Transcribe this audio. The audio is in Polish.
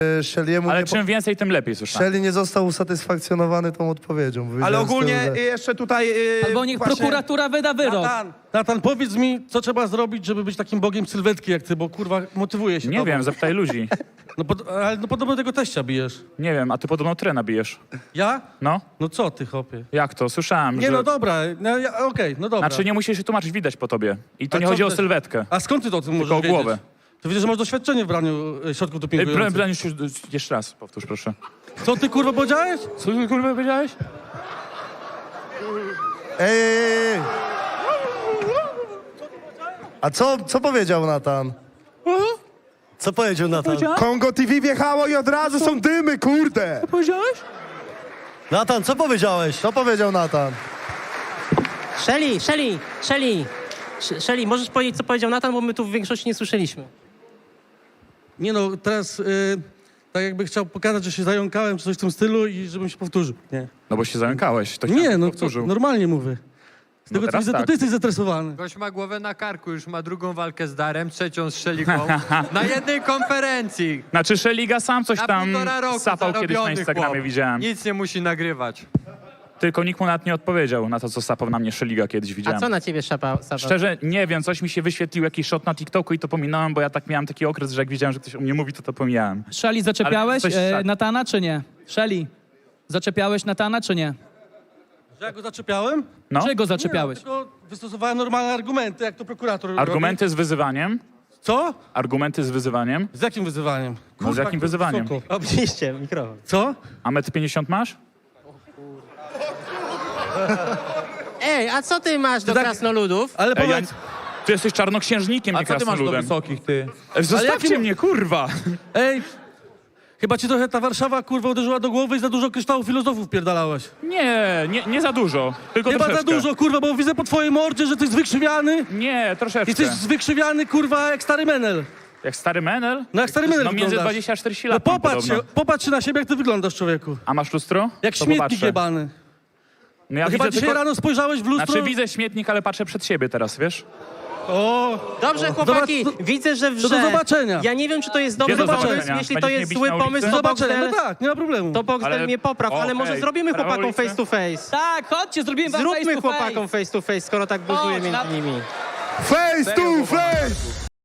Shelly'emu Ale nie czym więcej, tym lepiej, słyszałem. Shelly nie został usatysfakcjonowany tą odpowiedzią. Ale Powiedziałem ogólnie z tyłu, że- jeszcze tutaj... Albo niech właśnie- prokuratura wyda wyrok. Natan, powiedz mi, co trzeba zrobić, żeby być takim bogiem sylwetki jak ty, bo kurwa motywuje się Nie tobą. wiem, zapytaj ludzi. Ale podobno tego teścia bijesz. Nie wiem, a ty podobno trena bijesz. Ja? No? No co ty, chłopie? Jak to? Słyszałem, Nie, że... no dobra, no, okej, no dobra. Znaczy nie musisz się tłumaczyć, widać po tobie. I to A nie co chodzi o ty- sylwetkę. A skąd ty to o tym możesz Tylko o wiedzieć? głowę. To widzę, że masz doświadczenie w braniu środków dopingujących. Jeszcze raz, powtórz proszę. Co ty kurwa powiedziałeś? Co ty kurwa powiedziałeś? Ej! A co powiedział Natan? Co powiedział Natan? Kongo TV wjechało i od razu są dymy, kurde! Powiedziałeś? Natan, co powiedziałeś? Co powiedział Natan? Shelly, możesz powiedzieć, co powiedział Natan, bo my tu w większości nie słyszeliśmy. Nie no, teraz tak jakby chciał pokazać, że się zająkałem czy coś w tym stylu i żebym się powtórzył. Nie, No bo się zamykałeś. To nie no, to powtórzył. normalnie mówię. Z No tego co teraz widzę, to tak. ty jesteś zestresowany. Gość ma głowę na karku, już ma drugą walkę z Darem, trzecią z Szeliką. Na jednej konferencji. Znaczy Szeliga sam coś Na tam 1,5 roku sapał kiedyś na zarobiony Instagramie, chłop. widziałem. Nic nie musi nagrywać. Tylko nikt mu nawet nie odpowiedział na to, co sapał na mnie Szeliga kiedyś, A widziałem. co na ciebie szapał? Szczerze, nie wiem, coś mi się wyświetlił, jakiś shot na TikToku i to pominąłem, bo ja tak miałem taki okres, że jak widziałem, że ktoś o mnie mówi, to pomijałem. Shelly, zaczepiałeś Ale coś tak. Natana, czy nie? Shelly, zaczepiałeś Natana, czy nie? Że ja go zaczepiałem? No? Czego Nie, zaczepiałeś? no, tylko wystosowałem normalne argumenty, jak to prokurator Argumenty z wyzywaniem? robi. Co? Argumenty z wyzywaniem? Z jakim wyzywaniem? No z jakim jak wyzywaniem? wysoko. Oczywiście, mikrofon. Co? A 1,50 m masz? Ej, a co ty masz do tak- krasnoludów? Ale Ej, powiedz... Ty jesteś czarnoksiężnikiem, nie krasnoludem. wysokich, ty? Zostawcie jakim- mnie, kurwa! Ej, chyba ci trochę ta Warszawa, kurwa, uderzyła do głowy i za dużo kryształów filozofów pierdalałeś. Nie za dużo, tylko Chyba troszeczkę. za dużo, kurwa, bo widzę po twojej mordzie, że ty jesteś wykrzywiany. Nie, troszeczkę. Jesteś wykrzywiany, kurwa, jak stary menel. Jak stary menel? No jak stary menel No między wyglądasz. 20 a 40 No lat mam popatrz się na siebie, jak ty wyglądasz, człowieku. A masz lustro? Jak To śmietnik popatrzę. jebany. No ja No chyba widzę dzisiaj tylko... rano spojrzałeś w lustro... Znaczy widzę śmietnik, ale patrzę przed siebie teraz, wiesz? O, Dobrze, chłopaki, Zobacz, widzę, że do zobaczenia. Ja nie wiem, czy to jest dobry do pomysł. zobaczenia. Jeśli to Będziesz jest mnie zły bić na pomysł, ulicy? to zobaczenia, Boxdel, no tak, nie ma problemu. to Boxdel Ale- mnie popraw, ale może Okej. zrobimy Prawo chłopakom ulicy? face to face. Tak, chodźcie, zrobimy wam Zróbmy face to face. chłopakom face to face, skoro tak buzuje Chodź, między nimi. Face to face!